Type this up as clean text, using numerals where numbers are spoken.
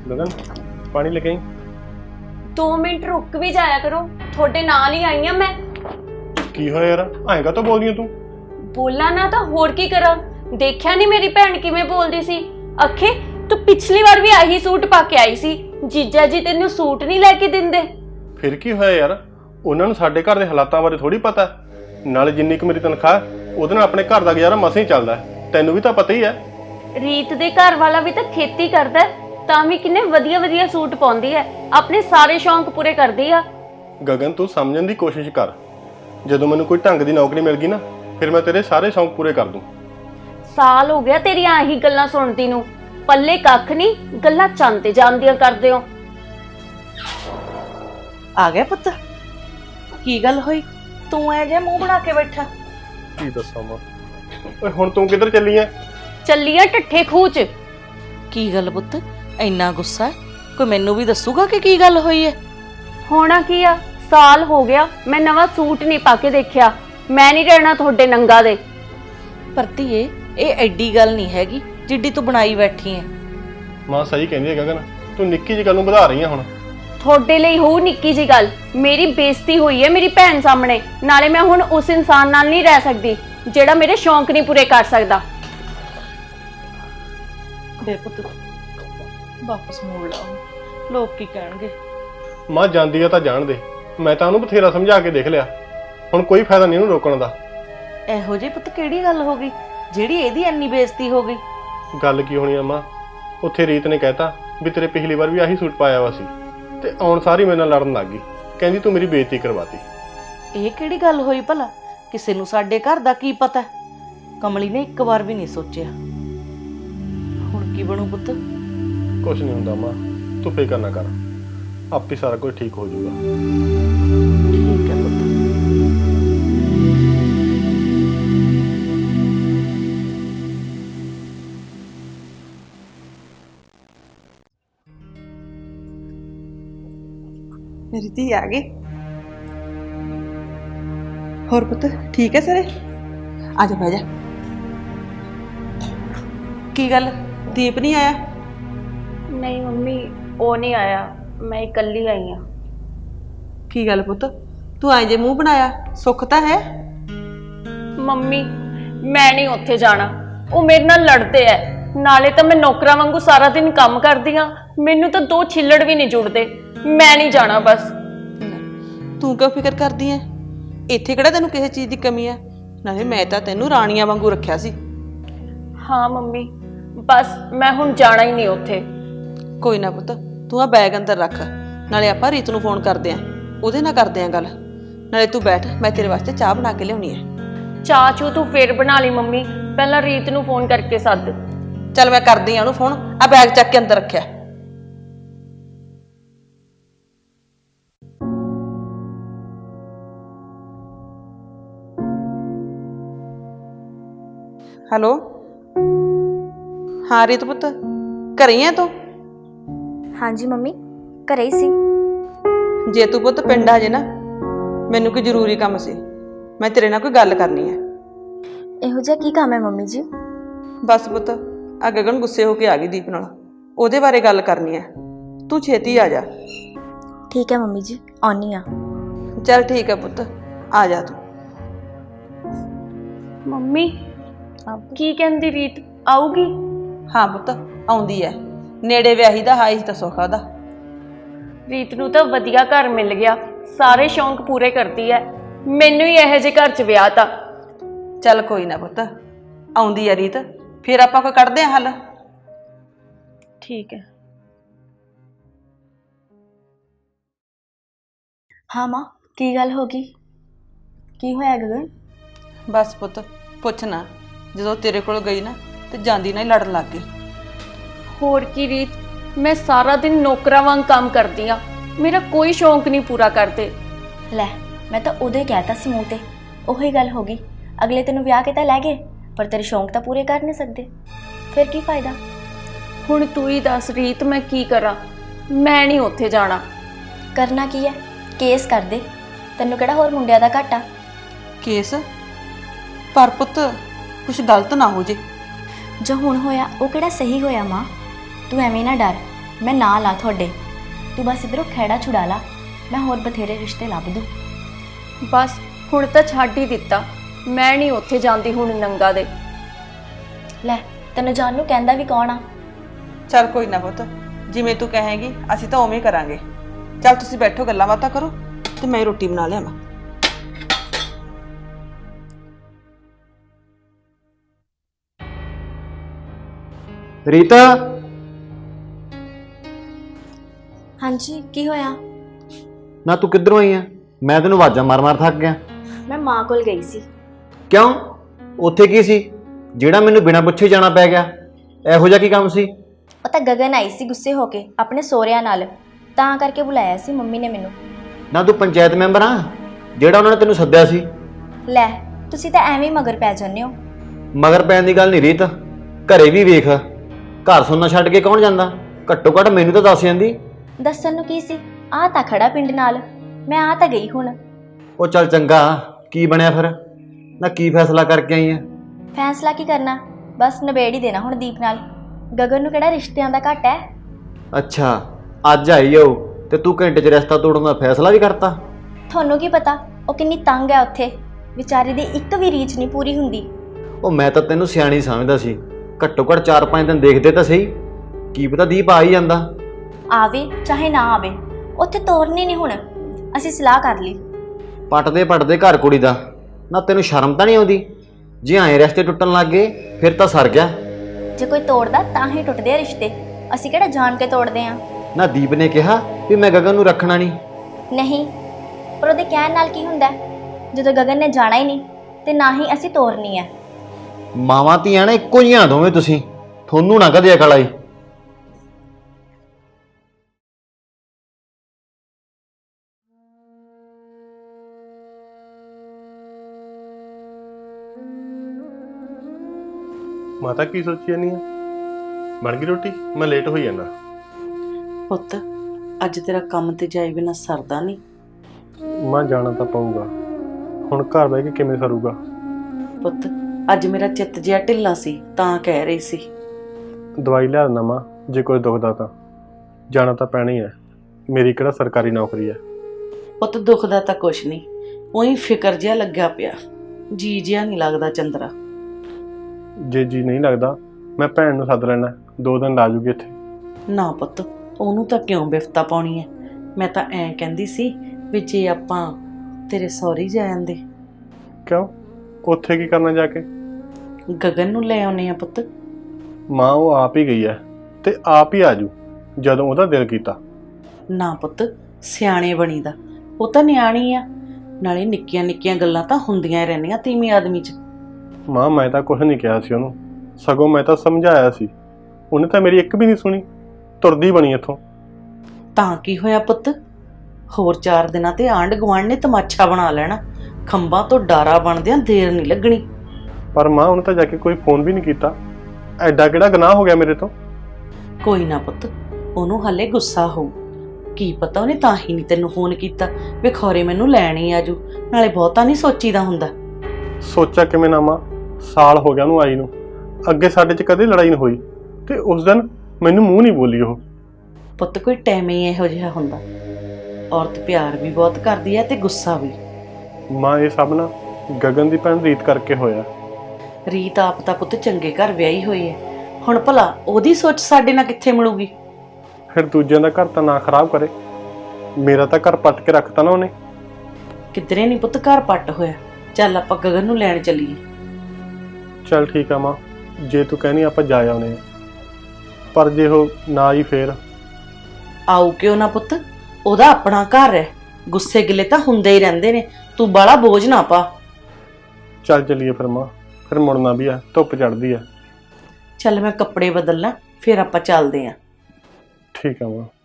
गगन पानी लेके आई। 2 मिनट रुक भी जाया करो, थोड़े नाल ही आई हां मैं। की होया यार, आएगा तो बोल दिया तू। बोलना ना तो होर की करा। देखिया नहीं मेरी भैन किवें बोलदी सी। अखे तू पिछली बार भी आही सूट पा के आई सी, जीजा जी तेनू सूट नहीं लेके दिंदे। फिर की होया यार, उन्हां नूं साडे घर दे हालातां बारे थोड़ी पता है। नाले जिन्नी क मेरी तनख्वाह ਉਹਦੇ ਨਾਲ ਆਪਣੇ ਘਰ ਦਾ ਗੁਜ਼ਾਰਾ ਮਸਾਂ ਹੀ ਚੱਲਦਾ ਹੈ, ਤੈਨੂੰ ਵੀ ਤਾਂ ਪਤਾ ਹੀ ਹੈ। ਰੀਤ ਦੇ ਘਰ ਵਾਲਾ ਵੀ ਤਾਂ ਖੇਤੀ ਕਰਦਾ ਤਾਂ ਵੀ ਕਿੰਨੇ ਵਧੀਆ ਵਧੀਆ ਸੂਟ ਪਾਉਂਦੀ ਹੈ, ਆਪਣੇ ਸਾਰੇ ਸ਼ੌਂਕ ਪੂਰੇ ਕਰਦੀ ਆ। ਗਗਨ ਤੂੰ ਸਮਝਣ ਦੀ ਕੋਸ਼ਿਸ਼ ਕਰ, ਜਦੋਂ ਮੈਨੂੰ ਕੋਈ ਢੰਗ ਦੀ ਨੌਕਰੀ ਮਿਲ ਗਈ ਨਾ ਫਿਰ ਮੈਂ ਤੇਰੇ ਸਾਰੇ ਸ਼ੌਂਕ ਪੂਰੇ ਕਰ ਦੂੰ। ਸਾਲ ਹੋ ਗਿਆ ਤੇਰੀਆਂ ਆਹੀ ਗੱਲਾਂ ਸੁਣਦੀ ਨੂੰ, ਪੱਲੇ ਕੱਖ ਨਹੀਂ, ਗੱਲਾਂ ਚੰਨ ਤੇ ਜਾਂਦੀਆਂ ਕਰਦੇ ਹੋ। ਆ ਗਿਆ ਪੁੱਤ, ਕੀ ਗੱਲ ਹੋਈ? ਤੂੰ ਐ ਜੇ ਮੂੰਹ ਬਣਾ ਕੇ ਬੈਠਾ। ਕੀ ਦੱਸਾਂ ਮਾਂ, ਓਏ ਹੁਣ ਤੂੰ ਕਿੱਧਰ ਚੱਲੀ ਐ? ਚੱਲੀ ਆ ਠੱਠੇ ਖੂਹ ਚ। ਕੀ ਗੱਲ ਪੁੱਤ, ਇੰਨਾ ਗੁੱਸਾ ਹੈ? ਕੋਈ ਮੈਨੂੰ ਵੀ ਦੱਸੂਗਾ ਕਿ ਕੀ ਗੱਲ ਹੋਈ ਹੈ? ਹੋਣਾ ਕੀ ਆ, ਸਾਲ ਹੋ ਗਿਆ ਮੈਂ ਨਵਾਂ ਸੂਟ ਨਹੀਂ ਪਾ ਕੇ ਦੇਖਿਆ। ਮੈਂ ਨਹੀਂ ਰਹਿਣਾ ਤੁਹਾਡੇ ਨੰਗਾ ਦੇ। ਪਰ ਧੀਏ, ਇਹ ਐਡੀ ਗੱਲ ਨਹੀਂ ਹੈਗੀ ਜਿੱਡੀ ਤੂੰ ਬਣਾਈ ਬੈਠੀ ਐ। ਮਾਂ ਸਹੀ ਕਹਿੰਦੀ ਹੈ ਗਗਨ, ਤੂੰ ਨਿੱਕੀ ਜਿਹੀ ਗੱਲ ਨੂੰ ਵਧਾ ਰਹੀ ਹੈ ਹੁਣ। ਤੁਹਾਡੇ ਲਈ ਹੋ ਨਿੱਕੀ ਜੀ ਗੱਲ, ਮੇਰੀ ਬੇਇੱਜ਼ਤੀ ਹੋਈ ਹੈ ਮੇਰੀ ਭੈਣ ਸਾਹਮਣੇ। ਨਾਲੇ ਮੈਂ ਹੁਣ ਉਸ ਇਨਸਾਨ ਨਾਲ ਨਹੀਂ ਰਹਿ ਸਕਦੀ ਜਿਹੜਾ ਮੇਰੇ ਸ਼ੌਂਕ ਨਹੀਂ ਪੂਰੇ ਕਰ ਸਕਦਾ। ਦੇ ਪੁੱਤ ਵਾਪਸ ਮੋੜ ਲਾ, ਲੋਕ ਕੀ ਕਹਿਣਗੇ? ਮਾਂ ਜਾਂਦੀ ਆ ਤਾਂ ਜਾਣ ਦੇ, ਮੈਂ ਤਾਂ ਉਹਨੂੰ ਬਥੇਰਾ ਸਮਝਾ ਕੇ ਦੇਖ ਲਿਆ, ਹੁਣ ਕੋਈ ਫਾਇਦਾ ਨਹੀਂ ਉਹਨੂੰ ਰੋਕਣ ਦਾ। ਇਹੋ ਜਿਹੀ ਪੁੱਤ ਕਿਹੜੀ ਗੱਲ ਹੋ ਗਈ ਜਿਹੜੀ ਇਹਦੀ ਇੰਨੀ ਬੇਇੱਜ਼ਤੀ ਹੋ ਗਈ? ਗੱਲ ਕੀ ਹੋਣੀ ਆ ਮਾਂ, ਉੱਥੇ ਰੀਤ ਨੇ ਕਹਿਤਾ ਵੀ ਤੇਰੇ ਪਿਛਲੀ ਵਾਰ ਵੀ ਆਹੀ ਸੂਟ ਪਾਇਆ ਵਾ ਸੀ ਤੇ ਆਉਣ ਸਾਰੀ ਮੇਰੇ ਨਾਲ ਲੜਨ ਲੱਗ ਗਈ, ਕਹਿੰਦੀ ਤੂੰ ਮੇਰੀ ਬੇਇੱਜ਼ਤੀ ਕਰਵਾਤੀ। ਇਹ ਕਿਹੜੀ ਗੱਲ ਹੋਈ ਭਲਾ? ਕਿਸੇ ਨੂੰ ਸਾਡੇ ਘਰ ਦਾ ਕੀ ਪਤਾ? ਕਮਲੀ ਨੇ ਇੱਕ ਵਾਰ ਵੀ ਨਹੀਂ ਸੋਚਿਆ। ਹੁਣ ਕੀ ਬਣੂ ਪੁੱਤ? ਕੁਛ ਨਹੀਂ ਹੁੰਦਾ ਮਾਂ, ਤੂੰ ਫਿਕਰ ਨਾ ਕਰ, ਆਪੇ ਸਾਰਾ ਕੁਝ ਠੀਕ ਹੋ ਜਾਊਗਾ। ਠੀਕ ਹੈ ਪੁੱਤ। मेरी धी आ गई। और पुत ठीक है सारे? आजा बह जा। की गल दीप नहीं आया? नहीं मम्मी, वो नहीं आया, मैं इकल्ली आई हाँ। की गल पुत, तू आए जे मुंह बनाया, सुख तो है? मम्मी मैं नहीं उत्थे जाना, वो मेरे नाल लड़ते है। नाले तो मैं नौकरा वांगू सारा दिन काम करदी हाँ, मैनू तो 2 छिल्लड़ भी नहीं जुड़ते। मैं नहीं जाना बस। तू क्यों फिक्र करदी है? इत्थे किहड़ा तैनूं किसी चीज़ की कमी है? नाले मैं तो तैनूं राणियां वांगू रखिया सी। हाँ मम्मी, बस मैं हुण जाना ही नहीं उत्थे। कोई ना पुत, तू आ बैग अंदर रख, नाले आपां रीत नूं फोन करदे आं, उहदे नाल करदे आं गल। नाले तू बैठ, मैं तेरे वास्ते चाह बना के लियाउणी है। चाह चू तू फिर बना ली मम्मी, पहला रीत नूं फोन करके सद। चल मैं करदी आं उहनूं फोन, आ बैग चक के अंदर रखिया। हेलो, हाँ रीत पुत, घरे ही है तू? हाँ जी मम्मी, घरे ही सी। जे तू पुत पिंड आ जे ना, मैनू कोई जरूरी काम सी, मैं तेरे नाल कोई गल करनी है। इहो जिहा की काम है मम्मी जी? बस पुत आ गगन गुस्से होके आ गई दीप नाल, ओहदे बारे गल करनी है, तू छेती आ जा। ठीक है मम्मी जी, आउनी आ। चल ठीक है पुत, आ जा तू। मम्मी की कहंदी रीत आऊगी? हाँ पुत आउंदी है, नेड़े व्याही दा हाई तां सुख दा। रीत नूं तां वधिया घर मिल गया, सारे शौक पूरे करती है, मैनू ही इहो जिहे घर च विआह ता। चल कोई ना पुत, आउंदी है रीत, फिर आपां कोई कढदे हां हल। ठीक है। हाँ माँ, की गल हो गई? की होया गगन? बस पुत पुछ ना, ਜਦੋਂ तेरे ਕੋਲ गई ना तो ਜਾਂਦੀ ना ही लड़न लग गई। होर की रीत, मैं सारा दिन नौकरा वांग काम करती हाँ, मेरा कोई शौक नहीं पूरा करते। लै मैं तो उदे कहता सी मूँह ते, ओही गल हो गई। अगले तेनों विआह के तां लै गए, पर तेरे शौक तां पूरे कर नहीं सकते, फिर की फायदा? हुण तू ही दस रीत, मैं की करा? मैं नहीं उत्थे जाना। करना की है? केस कर दे, तेनों किहड़ा होर मुंडियां दा घाटा? केस? पर पुत कुछ गलत ना हो जे। जो हुण होया वो किहड़ा सही होया माँ? तू एवें ना डर, ਮੈਂ ਨਾਲ ਆ ਤੁਹਾਡੇ। ਤੂੰ ਬਸ ਇਧਰੋਂ ਖਹਿੜਾ ਛੁਡਾ ਲਾ, ਮੈਂ ਹੋਰ ਬਥੇਰੇ ਰਿਸ਼ਤੇ ਲੱਭ ਦੂੰ। ਬਸ ਹੁਣ ਤਾਂ ਛੱਡ ਹੀ ਦਿੱਤਾ, ਮੈਂ ਨਹੀਂ ਉੱਥੇ ਜਾਂਦੀ ਹੁਣ ਨੰਗਾ ਦੇ। ਲੈ ਤੈਨੂੰ ਜਾਣ ਨੂੰ ਕਹਿੰਦਾ ਵੀ ਕੌਣ ਆ? ਚੱਲ ਕੋਈ ਨਾ ਪੁੱਤ, ਜਿਵੇਂ ਤੂੰ ਕਹੇਂਗੀ ਅਸੀਂ ਤਾਂ ਉਵੇਂ ਕਰਾਂਗੇ। ਚੱਲ ਤੁਸੀਂ ਬੈਠੋ, ਗੱਲਾਂ ਬਾਤਾਂ ਕਰੋ ਤੇ ਮੈਂ ਰੋਟੀ ਬਣਾ ਲਿਆਵਾਂ। ਰੀਤਾ, ਹਾਂਜੀ ਕੀ ਹੋਇਆ? ਨਾ ਤੂੰ ਕਿੱਧਰੋਂ ਆਈ ਆ? ਮੈਂ ਤੈਨੂੰ ਆਵਾਜ਼ਾਂ ਮਾਰ-ਮਾਰ ਥੱਕ ਗਿਆ। ਮੈਂ ਮਾਂ ਕੋਲ ਗਈ ਸੀ। ਕਿਉਂ? ਉੱਥੇ ਕੀ ਸੀ ਜਿਹੜਾ ਮੈਨੂੰ ਬਿਨਾਂ ਪੁੱਛੇ ਜਾਣਾ ਪੈ ਗਿਆ? ਇਹੋ ਜਿਹਾ ਕੀ ਕੰਮ ਸੀ? ਉਹ ਤਾਂ ਗਗਨ ਆਈ ਸੀ ਗੁੱਸੇ ਹੋ ਕੇ ਆਪਣੇ ਸਹੁਰਿਆਂ ਨਾਲ, ਤਾਂ ਕਰਕੇ ਬੁਲਾਇਆ ਸੀ ਮੰਮੀ ਨੇ ਮੈਨੂੰ। ਨਾ ਤੂੰ ਪੰਚਾਇਤ ਮੈਂਬਰ ਆ ਜਿਹੜਾ ਉਹਨਾਂ ਨੇ ਤੈਨੂੰ ਸੱਦਿਆ ਸੀ? ਲੈ ਤੁਸੀਂ ਤਾਂ ਐਵੇਂ ਹੀ ਮਗਰ ਪੈ ਜਾਂਦੇ ਹੋ। ਮਗਰ ਪੈਣ ਦੀ ਗੱਲ ਨਹੀਂ ਰੀਤ, ਘਰੇ ਵੀ ਵੇਖ, ਘਰ ਸੁਣਨਾ ਛੱਡ ਕੇ ਕੌਣ ਜਾਂਦਾ? ਘੱਟੋ ਘੱਟ ਮੈਨੂੰ ਤਾਂ ਦੱਸ ਜਾਂਦੀ। ਦੱਸਣ ਨੂੰ ਕੀ ਸੀ, ਆ ਤਾਂ ਖੜਾ ਪਿੰਡ ਨਾਲ, ਮੈਂ ਆ ਤਾਂ ਗਈ ਹੁਣ। ਉਹ ਚੱਲ ਚੰਗਾ, ਕੀ ਬਣਿਆ ਫਿਰ? ਨਾ ਕੀ ਫੈਸਲਾ ਕਰਕੇ ਆਈ ਆ? ਫੈਸਲਾ ਕੀ ਕਰਨਾ, ਬਸ ਨਿਬੇੜ ਹੀ ਦੇਣਾ ਹੁਣ ਦੀਪ ਨਾਲ। ਗਗਨ ਨੂੰ ਕਿਹੜਾ ਰਿਸ਼ਤਿਆਂ ਦਾ ਘੱਟ ਹੈ। ਅੱਛਾ, ਅੱਜ ਆਈ ਓ ਤੇ ਤੂੰ ਘੰਟੇ 'ਚ ਰਿਸ਼ਤਾ ਤੋੜਨ ਦਾ ਫੈਸਲਾ ਵੀ ਕਰਤਾ? ਤੁਹਾਨੂੰ ਕੀ ਪਤਾ ਉਹ ਕਿੰਨੀ ਤੰਗ ਹੈ ਉੱਥੇ, ਵਿਚਾਰੀ ਦੀ ਇੱਕ ਵੀ ਰੀਚ ਨਹੀਂ ਪੂਰੀ ਹੁੰਦੀ। ਉਹ ਮੈਂ ਤਾਂ ਤੈਨੂੰ ਸਿਆਣੀ ਸਮਝਦਾ ਸੀ, ਘੱਟੋ ਘੱਟ 4-5 ਦਿਨ ਦੇਖਦੇ ਤਾਂ ਸਹੀ, ਕੀ ਪਤਾ ਦੀਪ ਆ ਹੀ ਜਾਂਦਾ। ਆਵੇ ਚਾਹੇ ਨਾ ਆਵੇ, ਉੱਥੇ ਤੋਰਨੀ ਨਹੀਂ ਹੁਣ, ਅਸੀਂ ਸਲਾਹ ਕਰ ਲਈ। ਪਟਦੇ ਘਰ ਕੁੜੀ ਦਾ, ਨਾ ਤੈਨੂੰ ਸ਼ਰਮ ਤਾਂ ਨਹੀਂ ਆਉਂਦੀ? ਜੇ ਐਂ ਰਿਸ਼ਤੇ ਟੁੱਟਣ ਲੱਗ ਗਏ ਫਿਰ ਤਾਂ ਸਰ ਗਿਆ। ਜੇ ਕੋਈ ਤੋੜਦਾ ਤਾਂ ਹੀ ਟੁੱਟਦੇ ਆ ਰਿਸ਼ਤੇ, ਅਸੀਂ ਕਿਹੜਾ ਜਾਣ ਕੇ ਤੋੜਦੇ ਆ। ਨਾ ਦੀਪ ਨੇ ਕਿਹਾ ਵੀ ਮੈਂ ਗਗਨ ਨੂੰ ਰੱਖਣਾ ਨਹੀਂ। ਨਹੀਂ, ਪਰ ਉਹਦੇ ਕਹਿਣ ਨਾਲ ਕੀ ਹੁੰਦਾ ਜਦੋਂ ਗਗਨ ਨੇ ਜਾਣਾ ਹੀ ਨਹੀਂ, ਤੇ ਨਾ ਹੀ ਅਸੀਂ ਤੋਰਨੀ ਹੈ। ਮਾਵਾਂ ਧੀਆਂ ਨੇ ਇੱਕੋ ਜਿਹੀਆਂ ਦੋਵੇਂ ਤੁਸੀਂ, ਤੁਹਾਨੂੰ ਨਾ ਕਦੇ ਅਕਲ ਆਈ। ਮਾਤਾ ਕੀ ਸੋਚੀ ਜਾਨੀ ਆ? ਬਣ ਗਈ ਰੋਟੀ? ਮੈਂ ਲੇਟ ਹੋਈ ਜਾਂਦਾ। ਪੁੱਤ ਅੱਜ ਤੇਰਾ ਕੰਮ ਤੇ ਜਾਏ ਬਿਨਾ ਸਰਦਾ ਨਹੀਂ। ਮੈਂ ਜਾਣਾ ਤਾਂ ਪਊਗਾ, ਹੁਣ ਘਰ ਬਹਿ ਕੇ ਕਿਵੇਂ ਸਰੂਗਾ? ਪੁੱਤ ਅੱਜ ਮੇਰਾ ਚਿੱਤ ਜਿਹਾ ਢਿੱਲਾ ਸੀ ਤਾਂ ਕਹਿ ਰਹੀ ਸੀ। ਦਵਾਈ ਲਿਆ ਦਿੰਦਾ ਮਾਂ, ਜੇ ਕੋਈ ਦੁਖਦਾ ਤਾਂ ਜਾਣਾ ਤਾਂ ਪੈਣਾ ਹੀ ਹੈ, ਮੇਰੀ ਕਿਹੜਾ ਸਰਕਾਰੀ ਨੌਕਰੀ ਹੈ। ਪੁੱਤ ਦੁਖਦਾ ਤਾਂ ਕੁਛ ਨਹੀਂ, ਉਹੀ ਫਿਕਰ ਜਿਹਾ ਲੱਗਿਆ ਪਿਆ, ਜੀ ਜਿਹਾ ਨਹੀਂ ਲੱਗਦਾ ਚੰਦਰਾ। ਜੇ ਜੀ ਨਹੀਂ ਲੱਗਦਾ ਮੈਂ ਭੈਣ ਨੂੰ ਸੱਦ ਲੈਣਾ, 2 ਦਿਨ ਲਾ ਜੂਗੀ ਇੱਥੇ। ਨਾ ਪੁੱਤ ਉਹਨੂੰ ਤਾਂ ਕਿਉਂ ਬਿਫਤਾ ਪਾਉਣੀ ਹੈ, ਮੈਂ ਤਾਂ ਐਂ ਕਹਿੰਦੀ ਸੀ ਵੀ ਜੇ ਆਪਾਂ ਤੇਰੇ ਸਹੁਰੇ ਜਾ ਜਾਂਦੇ। ਕਿਉਂ? ਉੱਥੇ ਕੀ ਕਰਨਾ ਜਾ ਕੇ? ਗਗਨ ਨੂੰ ਲੈ ਆਉਨੇ ਆ ਪੁੱਤ। ਮਾਂ ਉਹ ਆਪ ਹੀ ਗਈ ਹੈ ਤੇ ਆਪ ਹੀ ਆਜੂ ਜਦੋਂ ਉਹਦਾ ਦਿਲ ਕੀਤਾ। ਨਾ ਪੁੱਤ ਸਿਆਣੇ ਬਣੀਦਾ, ਉਹ ਤਾਂ ਨਿਆਣੀ ਆ, ਨਾਲੇ ਨਿੱਕੀਆਂ ਨਿੱਕੀਆਂ ਗੱਲਾਂ ਤਾਂ ਹੁੰਦੀਆਂ ਰਹਿੰਦੀਆਂ ਤੀਵੀਂ ਆਦਮੀ 'ਚ। ਮਾਂ ਮੈਂ ਤਾਂ ਕੁਝ ਨਹੀਂ ਕਿਹਾ ਸੀ ਉਹਨੂੰ, ਸਗੋਂ ਮੈਂ ਤਾਂ ਸਮਝਾਇਆ ਸੀ, ਉਹਨੇ ਤਾਂ ਮੇਰੀ ਇੱਕ ਵੀ ਨਹੀਂ ਸੁਣੀ, ਤੁਰਦੀ ਬਣੀ ਇੱਥੋਂ। ਤਾਂ ਕੀ ਹੋਇਆ ਪੁੱਤ, ਹੋਰ 4 ਦਿਨਾਂ ਤੇ ਆਂਢ ਗੁਆਂਢ ਨੇ ਤਮਾਸ਼ਾ ਬਣਾ ਲੈਣਾ, ਖੰਭਾਂ ਤੋਂ ਡਾਰਾ ਬਣਦਿਆਂ ਦੇਰ ਨਹੀਂ ਲੱਗਣੀ। ਪਰ ਮਾਂ ਉਹਨੇ ਤਾਂ ਜਾ ਕੇ ਕੋਈ ਫੋਨ ਵੀ ਨਹੀਂ ਕੀਤਾ, ਐਡਾ ਕਿਹੜਾ ਗੁਨਾਹ ਹੋ ਗਿਆ ਮੇਰੇ ਤੋਂ? ਕੋਈ ਨਾ ਪੁੱਤ, ਉਹਨੂੰ ਹਲੇ ਗੁੱਸਾ ਹੋਊ, ਕੀ ਪਤਾ ਉਹਨੇ ਤਾਂ ਹੀ ਨਹੀਂ ਤੈਨੂੰ ਫੋਨ ਕੀਤਾ ਵੀ ਖੌਰੇ ਮੈਨੂੰ ਲੈਣ ਹੀ ਆਜੂ, ਨਾਲੇ ਬਹੁਤਾ ਨਹੀਂ ਸੋਚੀਦਾ ਹੁੰਦਾ। ਸੋਚਿਆ ਕਿਵੇਂ ਨਾ ਮਾਂ, ਸਾਲ ਹੋ ਗਿਆ ਉਹਨੂੰ ਆਈ ਨੂੰ, ਅੱਗੇ ਸਾਡੇ 'ਚ ਕਦੇ ਲੜਾਈ ਨਹੀਂ ਹੋਈ ਤੇ ਉਸ ਦਿਨ ਮੈਨੂੰ ਮੂੰਹ ਨਹੀਂ ਬੋਲੀ ਉਹ। ਪੁੱਤ ਕੋਈ ਟਾਈਮ ਹੀ ਇਹੋ ਜਿਹਾ ਹੁੰਦਾ, ਔਰਤ ਪਿਆਰ ਵੀ ਬਹੁਤ ਕਰਦੀ ਹੈ ਤੇ ਗੁੱਸਾ ਵੀ। ਮਾਂ ਇਹ ਸਭ ਨਾ ਗਗਨ ਦੀ ਭੈਣ ਰੀਤ ਕਰਕੇ ਹੋਇਆ। ਰੀਤ ਆਪ ਤਾਂ ਪੁੱਤ ਚੰਗੇ ਘਰ ਵਿਆਹੀ ਹੋਈ ਹੈ, ਹੁਣ ਭਲਾ ਉਹਦੀ ਸੋਚ ਸਾਡੇ ਨਾਲ ਕਿੱਥੇ ਮਿਲੂਗੀ? ਫਿਰ ਦੂਜਿਆਂ ਦਾ ਘਰ ਤਾਂ ਨਾ ਖਰਾਬ ਕਰੇ, ਮੇਰਾ ਤਾਂ ਘਰ ਪੱਟ ਕੇ ਰੱਖਤਾ ਨਾ ਉਹਨੇ। ਕਿਧਰੇ ਨਹੀਂ ਪੁੱਤ ਘਰ ਪੱਟ ਹੋਇਆ, ਚੱਲ ਆਪਾਂ ਗਗਨ ਨੂੰ ਲੈਣ ਚੱਲੀਏ। ਚੱਲ ਠੀਕ ਆ ਮਾਂ, ਜੇ ਤੂੰ ਕਹਿਨੀ ਆਪਾਂ ਜਾ ਆਉਨੇ ਆ, ਪਰ ਜੇ ਉਹ ਨਾ ਆਈ ਫੇਰ? ਆਊ ਕਿਉਂ ਨਾ ਪੁੱਤ, ਉਹਦਾ ਆਪਣਾ ਘਰ ਹੈ, ਗੁੱਸੇ ਗਿਲੇ ਤਾਂ ਹੁੰਦੇ ਹੀ ਰਹਿੰਦੇ ਨੇ, ਤੂੰ ਬਾਹਲਾ ਬੋਝ ਨਾ ਪਾ। ਚੱਲ ਚੱਲੀਏ ਫਿਰ ਮਾਂ, ਫਿਰ ਮੁੜਨਾ ਵੀ ਆ, ਧੁੱਪ ਚੜ੍ਹਦੀ ਆ। ਚੱਲ ਮੈਂ ਕੱਪੜੇ ਬਦਲਣਾ, ਫਿਰ ਆਪਾਂ ਚੱਲਦੇ ਆਂ। ਠੀਕ ਆ ਮਾਂ।